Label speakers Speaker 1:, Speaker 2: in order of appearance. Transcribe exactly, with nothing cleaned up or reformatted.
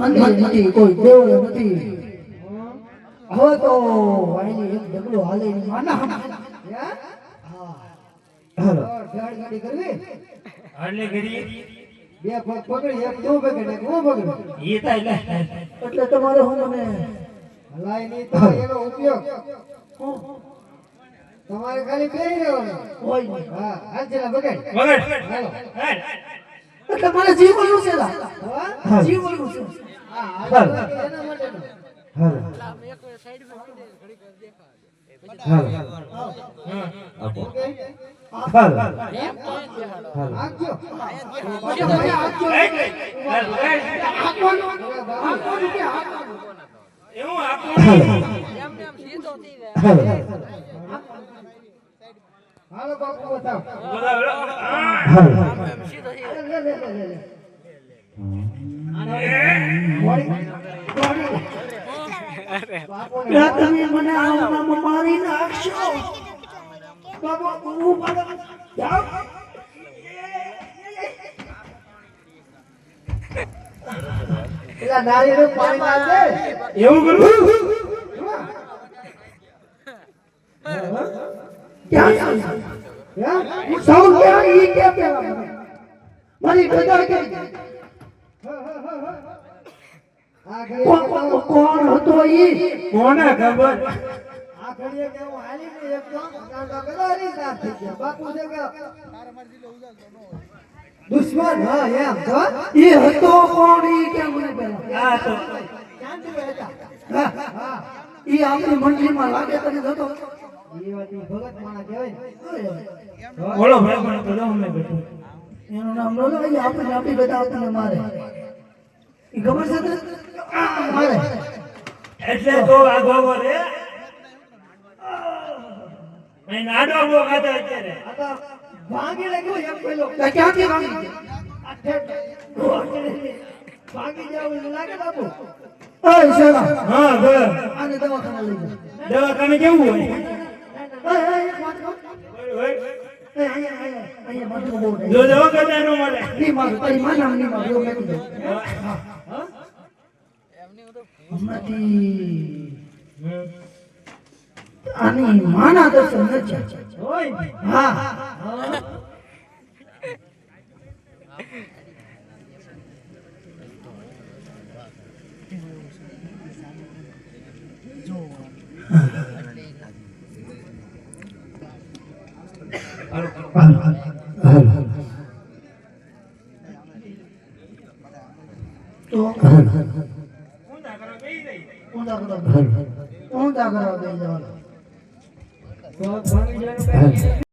Speaker 1: મંદિર નથી, કોઈ દેવળ નથી. હવે તો વાયલી એક ઢગલો હાલે ની માના હા હાલો ગાડી ગાડી કરવી
Speaker 2: હાલે કરી
Speaker 1: બે પગ પકડી એક તું પકડી એક હું પકડી
Speaker 2: ઈ તા એટલે
Speaker 1: એટલે તમારે હું મને હલાય નહીં તો એનો ઉપયોગ તમારે ખાલી બેહી રહેવાનું હોય નહીં. હા હાલ ચલા બગાડ
Speaker 2: વગર
Speaker 1: હાલો
Speaker 2: હાલ
Speaker 1: એટલે મારે જીવવાનું છે હા જીવવાનું છે હા હાલ એના માટે હાલ હાલ આપો હાલ હાલ આજો
Speaker 2: એવું આપો
Speaker 1: એમ એમ સીધો થઈ જાય હાલો બાપુ બતાવ
Speaker 2: બોલા
Speaker 1: હાલ એમ સીધો થઈ જાય લે લે લે લે તમે મને આમાં મારી નાખશો બાબા હું પાડો જાવ એલા નારી નું પાણી નાખે
Speaker 2: એવું કરું
Speaker 1: ક્યાં હું સૌ ક્યાં ઈ કે પેલા મારી ગદર કે કોણ હતો ઈ
Speaker 2: કોને ખબર
Speaker 1: આ ઘડીએ કે હું હાલી ને એક તો કાકા ગદારી ના થઈ ગયા બાપુ છે કે દુશ્મન હા એમ તો ઈ હતો કોણ ઈ કે મને પેલા
Speaker 2: આ તો
Speaker 1: ક્યાંથી હતા હા હા ઈ આપણી મંડળીમાં લાગે તને જતો ઈ વાતી ભગત માણા કહેવાય
Speaker 2: બોલો બોલો બોલો બોલો અમે બેઠો
Speaker 1: એનું નામ બોલો ઈ આપણે આપી બધા આપણને મારે ઈ ખબર છે તને મારે
Speaker 2: એટલે તો આ ગોગો રે મેં નાડો ગો ખાતો અત્યારે
Speaker 1: આ તો ભાગી લાગ્યો એક પેલો ક્યાંથી ભાગી ભાગી જાવ લાગે બાપુ ઓય શેરા
Speaker 2: હા બોલ
Speaker 1: આને દવાખાને લઈ જાવ
Speaker 2: દવાખાને કેવું હોય
Speaker 1: ઓય ઓય એક વાત કહું
Speaker 2: ઓય
Speaker 1: એ અહીંયા અહીંયા અહીંયા બાજુ બહુ
Speaker 2: જો દવાખાને નો મળે
Speaker 1: ની માર તારી માના ની માર એવું મેકી દો હા હા એમની તો હમણાંથી આની માના દર્શન નથી
Speaker 2: હોય
Speaker 1: હા
Speaker 2: હાલો
Speaker 1: હાલ હાલ હાલ તો હાલ હાલ
Speaker 2: ઊંધા કરો બેહી જાય
Speaker 1: ઊંધા કરો ઊંધા કરો બે જવાનું
Speaker 2: તો ભાગી જવાનું